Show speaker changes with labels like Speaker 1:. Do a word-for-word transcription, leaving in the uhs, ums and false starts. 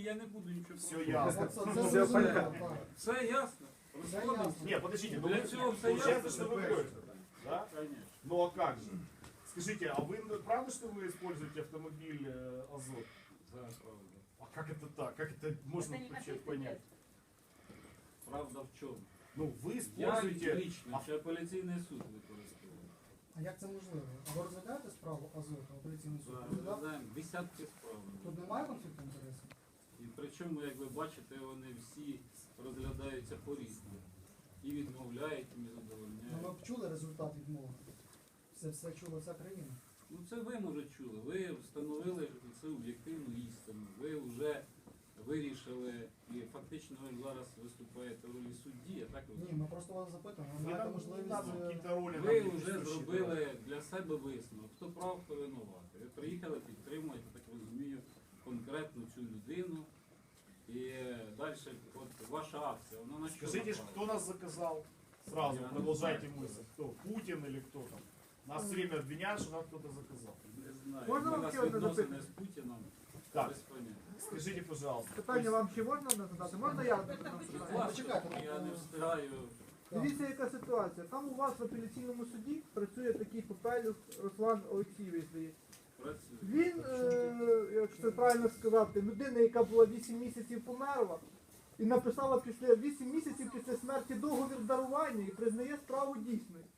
Speaker 1: я не буду нічого.
Speaker 2: Все ясно.
Speaker 3: Це- це зрозуміло, так.
Speaker 1: Все ясно.
Speaker 3: Все
Speaker 1: Розходимося.
Speaker 3: ясно.
Speaker 2: Не, подождите, ну
Speaker 1: Для
Speaker 2: вы-
Speaker 1: чего все
Speaker 2: получается,
Speaker 1: ясно?
Speaker 2: что вы врете, да?
Speaker 1: Конечно.
Speaker 2: Ну а как же? Скажите, а вы правда, что вы используете автомобиль э, Азот?
Speaker 1: Да, правда.
Speaker 2: А как это так? Как это можно
Speaker 4: Это не
Speaker 2: вообще
Speaker 4: ответственность.
Speaker 2: понять?
Speaker 1: Правда в чому?
Speaker 2: Ну вы
Speaker 1: Я
Speaker 2: используете...
Speaker 1: лично, чи апеляційний суд використовую.
Speaker 3: А як це можливо? А ви розглядаєте справу Азоту, апеляційний суд? Розглядав?
Speaker 1: Розглядаємо десятки справ.
Speaker 3: Тут немає конфлікту інтересів?
Speaker 1: І причому, як ви бачите, вони всі розглядаються по-різному. І відмовляють, і не
Speaker 3: Ну,
Speaker 1: задовольняють.
Speaker 3: ми б чули результат відмови. Це все чула вся країна.
Speaker 1: Ну це ви, може, чули. Ви встановили цю об'єктивну істину. Ви вже вирішили, і фактично ви зараз виступаєте в ролі судді, а так
Speaker 3: Ні,
Speaker 1: ви.
Speaker 3: ми просто вас запитуємо. Ви
Speaker 2: Вы
Speaker 3: маєте
Speaker 2: нам
Speaker 3: можливість...
Speaker 2: там
Speaker 3: е,
Speaker 2: какие-то роли
Speaker 1: Ви
Speaker 2: нам
Speaker 1: вже
Speaker 2: несущие,
Speaker 1: зробили для себе висновок, хто прав, хто винуватий. Ви приїхали, підтримуєте, так розумію, конкретно цю людину. І далі, от ваша акція, вона на що
Speaker 2: Скажите,
Speaker 1: направлена?
Speaker 2: кто нас заказал? Сразу
Speaker 1: Я не
Speaker 2: продолжайте
Speaker 1: знаю.
Speaker 2: мысль. Кто? Путин или кто там? Нас все время обвиняют, что нас кто-то заказал.
Speaker 1: Не знаю.
Speaker 5: Можна
Speaker 1: У
Speaker 5: вам
Speaker 1: нас
Speaker 5: ще одне
Speaker 1: відносини
Speaker 5: запитання?
Speaker 1: з Путіном
Speaker 2: Так.
Speaker 1: без поняття.
Speaker 2: Скажите, пожалуйста.
Speaker 5: Питання вам ще можна задати? Можна я задам питання?
Speaker 1: Власне,
Speaker 3: почекайте,
Speaker 1: я не
Speaker 3: ну,
Speaker 1: встигаю.
Speaker 5: Дивіться, яка ситуація. Там у вас в апеляційному суді працює такий Попелюх Руслан Олексійович, здається.
Speaker 1: Працюю.
Speaker 5: Він, е, якщо правильно сказати, людина, яка була вісім місяців померла, і написала після вісім місяців після смерті договір дарування і признає справу дійсною.